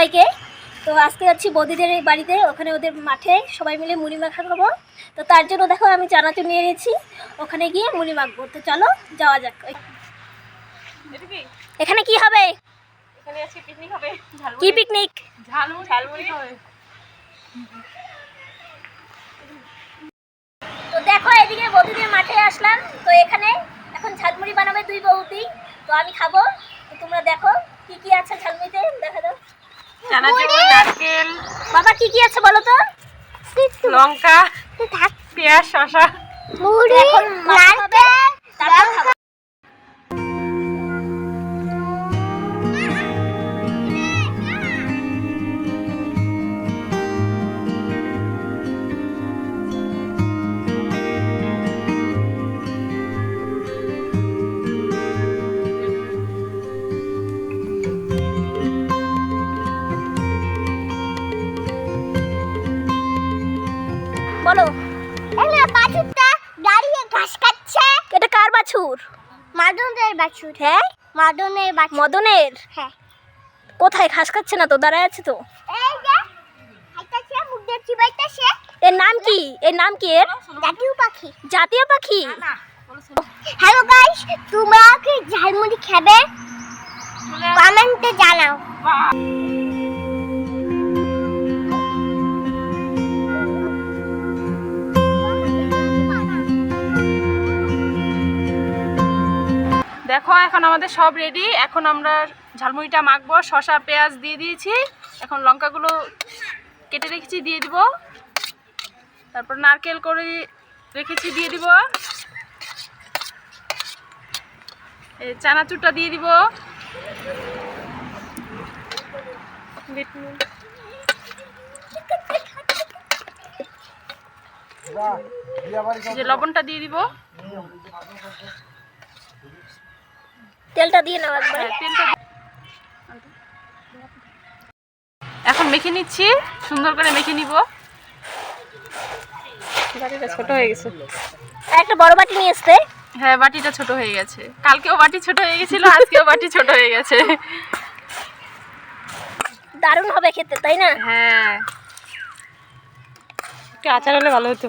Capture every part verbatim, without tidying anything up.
সবাইকে। তো আজকে যাচ্ছি বৌদিদের এই বাড়িতে, ওখানে ওদের মাঠে সবাই মিলে মুড়ি মাখা খাবো। তো তার জন্য দেখো আমি চানাচুর নিয়ে নিয়েছি, ওখানে গিয়ে মুড়ি মাখবো। তো চলো যাওয়া যাক। এখানে কি হবে? এখানে আজকে পিকনিক হবে। কি পিকনিক? ঝালমুড়ি ঝালমুড়ি হবে। তো দেখো এদিকে বৌদিদের মাঠে আসলাম। তো এখানে এখন ঝালমুড়ি বানাবে দুই বৌদি, তো আমি খাবো। তো তোমরা দেখো কি কি আছে ঝালমুড়িতে, দেখা দাও। চানাচুর, নারকেল, বাবা কি কি আছে বলো তো? লঙ্কা, পেঁয়াজ, শসা, মুড়ি, নারকেল, তারপর খাবো। বলো। এলা বাছুরটা দাঁড়িয়ে ঘাস খাচ্ছে। এটা কার বাছুর? মাদনের বাছুর। হ্যাঁ মাদনের বাছুর। মদনের? হ্যাঁ। কোথায়? ঘাস খাচ্ছে না তো, দাঁড়ায় আছে তো। এই যে খাইতাছে, মুখ দিয়ে চিবাইতাছে। এর নাম কি? এর নাম কি এর? জাতীয় পাখি। জাতীয় পাখি? হ্যালো গাইস, তোমরা কি ঝালমুড়ি খাবে? কমেন্টে জানাও। দেখো এখন আমাদের সব রেডি। এখন আমরা ঝালমুড়িটা মাখবো। শসা পেঁয়াজ দিয়ে দিয়েছি, এখন লঙ্কাগুলো কেটে রেখেছি দিয়ে দিব। তারপর নারকেল করে রেখেছি দিয়ে দিব। এই চানাচুরটা দিয়ে দিব। যে লবণটা দিয়ে দিব। তেলটা দিয়ে নাও একবার। তেলটা এখন মেখে নিচ্ছি, সুন্দর করে মেখে নিব। বাটিটা ছোট হয়ে গেছে। আর একটা বড় বাটি নিয়ে আসতে। হ্যাঁ বাটিটা ছোট হয়ে গেছে। কালকেও বাটি ছোট হয়ে গেছিল, আজকেও বাটি ছোট হয়ে গেছে। দারুণ হবে খেতে, তাই না? হ্যাঁ, একটু আচার হলে ভালো হতো।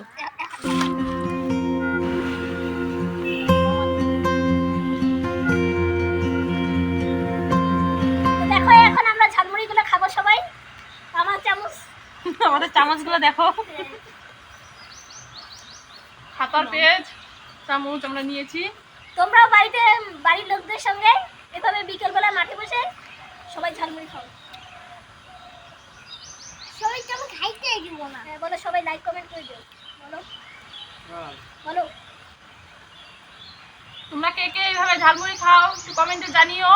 দেখো এখন আমরা ঝালমুড়িগুলো খাবো সবাই। আমার চামচ, আমাদের চামচগুলো দেখো। হাতার পেঁয়াজ চামচ আমরা নিয়েছি। তোমরাও বাড়িতে বাড়ির লোকদের সঙ্গে এভাবে বিকেলবেলা মাঠে বসে সবাই ঝালমুড়ি খাও। সবাই তো আমি খাইতে দিব না। হ্যাঁ বলো, সবাই লাইক কমেন্ট করে দিও। বলো বলো। তোমরা কে কে এইভাবে ঝালমুড়ি খাও একটু কমেন্টে জানিও।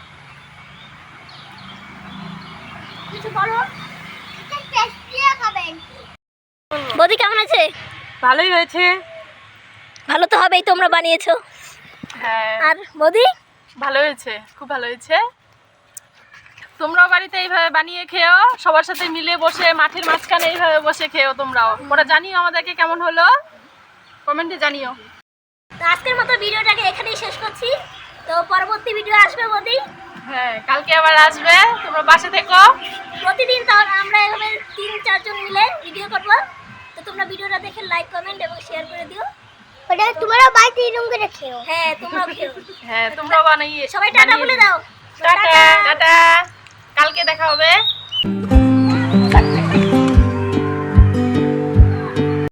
কিছু বলো। এটা টেস্টি খাবেন। বৌদি কেমন আছে? ভালোই হয়েছে। ভালো তো হবেই, তোমরা বানিয়েছো। হ্যাঁ আর বৌদি? ভালো হয়েছে, খুব ভালো হয়েছে। তোমরাও বাড়িতে এইভাবে বানিয়ে খেও, সবার সাথে মিলে বসে মাঠের মাঝখানে এইভাবে বসে খেও। তোমরাও ওরা জানিও আমাদেরকে কেমন হলো, কমেন্টে জানিও। তো আজকের মতো ভিডিওটাকে এখানেই শেষ করছি। তো পরবর্তী ভিডিও আসবে বৌদি। হ্যাঁ কালকে আবার আসবে, তোমরা পাশে থেকো। প্রতিদিন তাহলে আমরা এভাবে তিন চারজন মিলে ভিডিও করবো। তো তোমরা ভিডিওটা দেখে লাইক কমেন্ট এবং শেয়ার করে দিও। ওটা তোমরা বাড়িতে এরকম করে খেও। হ্যাঁ তোমরাও খেও। হ্যাঁ তোমরাও বানিয়ে সবাই টাটা বলে দাও। টাটা টাটা, কালকে দেখা হবে।